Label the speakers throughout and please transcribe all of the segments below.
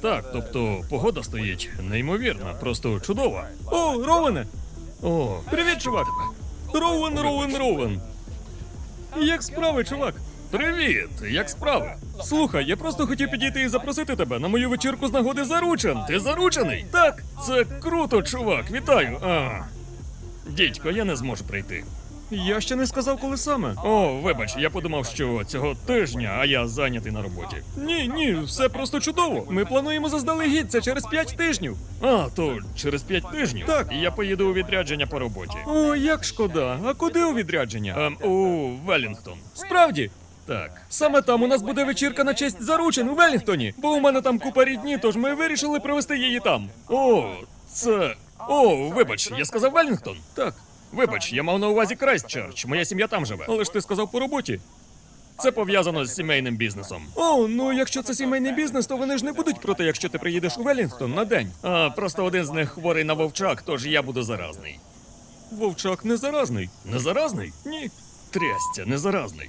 Speaker 1: Так, тобто погода стоїть неймовірна, просто чудова. О, Роуене! О, привіт, чувак! Роуен! Як справи, чувак? Привіт, як справи? Слухай, я просто хотів підійти і запросити тебе на мою вечірку з нагоди заручен. Ти заручений? Так, це круто, чувак, вітаю. Дідько, я не зможу прийти. Я ще не сказав, коли саме. О, вибач, я подумав, що цього тижня, а я зайнятий на роботі. Ні, все просто чудово. Ми плануємо заздалегідь, це через 5 тижнів. А, то через 5 тижнів? Так. І я поїду у відрядження по роботі. О, як шкода. А куди у відрядження? У Веллінгтон. Справді? Так. Саме там у нас буде вечірка на честь заручин у Веллінгтоні. Бо у мене там купа рідні, тож ми вирішили провести її там. Вибач, я сказав Веллінгтон? Так. Вибач, я мав на увазі Крайстчерч, моя сім'я там живе. Але ж ти сказав по роботі. Це пов'язано з сімейним бізнесом. О, ну якщо це сімейний бізнес, то вони ж не будуть проти, якщо ти приїдеш у Веллінгтон на день. Просто один з них хворий на вовчак, тож я буду заразний. Вовчак не заразний. Не заразний? Ні. Трясця, не заразний.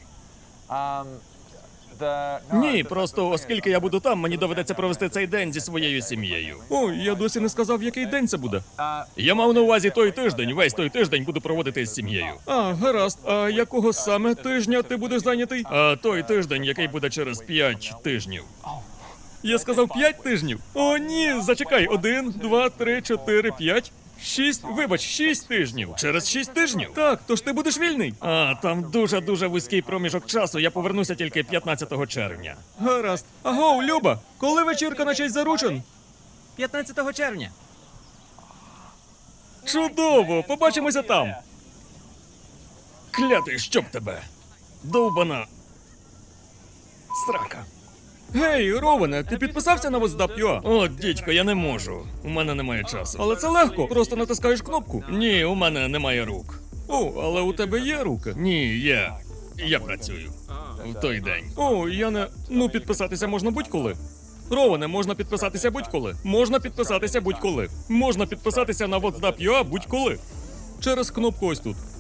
Speaker 1: Ні, просто оскільки я буду там, мені доведеться провести цей день зі своєю сім'єю. Ой, я досі не сказав, який день це буде. Я мав на увазі той тиждень, весь той тиждень буду проводити з сім'єю. Гаразд. А якого саме тижня ти будеш зайнятий? Той тиждень, який буде через 5 тижнів. Я сказав 5 тижнів? О, ні, зачекай. 1, 2, 3, 4, 5. 6 тижнів. Через 6 тижнів? Так, тож ти будеш вільний. Там дуже вузький проміжок часу, я повернуся тільки 15 червня. Гаразд. Агоу, Люба, коли вечірка на честь заручин? 15 червня. Чудово, побачимося там. Клятий, щоб тебе. Довбана срака. Гей, Роване, ти підписався на WhatsApp.ua? О, дідько, я не можу. У мене немає часу. Але це легко, просто натискаєш кнопку. Ні, у мене немає рук. О, але у тебе є руки? Ні, я працюю. В той день. О, я не... Ну, підписатися можна будь-коли. Роване, можна підписатися будь-коли. Можна підписатися будь-коли. Можна підписатися на WhatsApp.ua будь-коли. Через кнопку ось тут.